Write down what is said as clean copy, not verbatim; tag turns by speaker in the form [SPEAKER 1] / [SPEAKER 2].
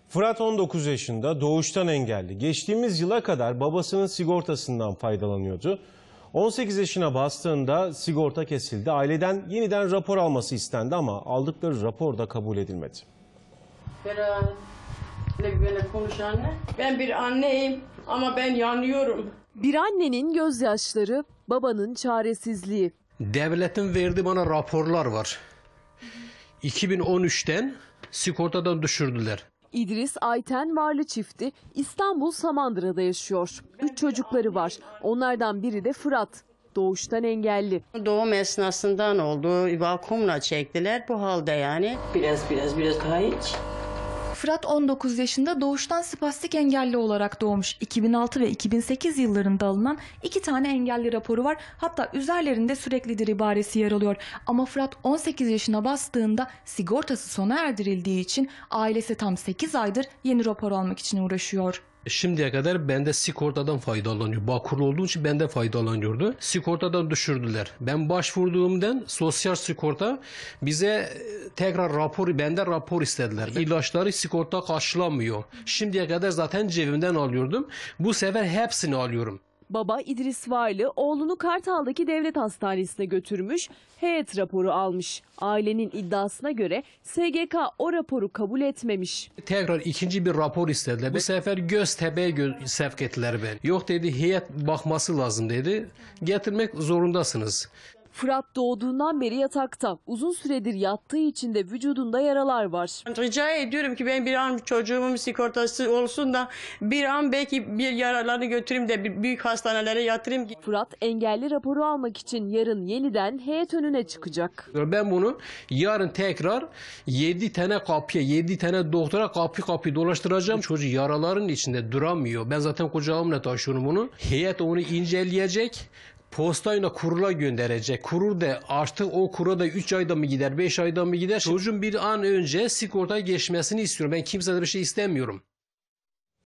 [SPEAKER 1] Fırat 19 yaşında, doğuştan engelli. Geçtiğimiz yıla kadar babasının sigortasından faydalanıyordu. 18 yaşına bastığında sigorta kesildi. Aileden yeniden rapor alması istendi ama aldıkları rapor da kabul edilmedi.
[SPEAKER 2] Böyle konuş anne. Ben bir anneyim ama ben yanıyorum.
[SPEAKER 3] Bir annenin gözyaşları, babanın çaresizliği.
[SPEAKER 4] Devletin verdiği bana raporlar var. 2013'ten sigortadan düşürdüler.
[SPEAKER 3] İdris Ayten Varlı çifti İstanbul Samandıra'da yaşıyor. 3 çocukları var. Onlardan biri de Fırat. Doğuştan engelli.
[SPEAKER 2] Doğum esnasından oldu. Vakumla çektiler bu halde yani. Biraz daha iç.
[SPEAKER 5] Fırat 19 yaşında, doğuştan spastik engelli olarak doğmuş. 2006 ve 2008 yıllarında alınan 2 tane engelli raporu var. Hatta üzerlerinde süreklidir ibaresi yer alıyor. Ama Fırat 18 yaşına bastığında sigortası sona erdirildiği için ailesi tam 8 aydır yeni rapor almak için uğraşıyor.
[SPEAKER 4] Şimdiye kadar bende sigortadan faydalanıyor. Bağkur olduğu için bende faydalanıyordu. Sigortadan düşürdüler. Ben başvurduğumdan sosyal sigorta bize tekrar bende rapor istediler. İlaçları sigorta karşılamıyor. Şimdiye kadar zaten cebimden alıyordum. Bu sefer hepsini alıyorum.
[SPEAKER 3] Baba İdris Varlı oğlunu Kartal'daki devlet hastanesine götürmüş, heyet raporu almış. Ailenin iddiasına göre SGK o raporu kabul etmemiş.
[SPEAKER 4] Tekrar ikinci bir rapor istediler. Bu sefer Göztepe'ye sevk ettiler beni. Yok dedi, heyet bakması lazım dedi. Getirmek zorundasınız.
[SPEAKER 3] Fırat doğduğundan beri yatakta. Uzun süredir yattığı için de vücudunda yaralar var.
[SPEAKER 2] Rica ediyorum ki ben bir an çocuğumun sigortası olsun da bir an belki bir yaralarını götüreyim de bir büyük hastanelere yatırayım.
[SPEAKER 3] Fırat engelli raporu almak için yarın yeniden heyet önüne çıkacak.
[SPEAKER 4] Ben bunu yarın tekrar 7 tane kapıya, 7 tane doktora kapı dolaştıracağım. Çocuk yaraların içinde duramıyor. Ben zaten kucağımla taşıyorum bunu. Heyet onu inceleyecek. Postayla kurula gönderecek. Kurul da artık o kura da 3 ayda mı gider, 5 ayda mı gider? Çocuğun bir an önce sigortaya geçmesini istiyorum. Ben kimseden bir şey istemiyorum.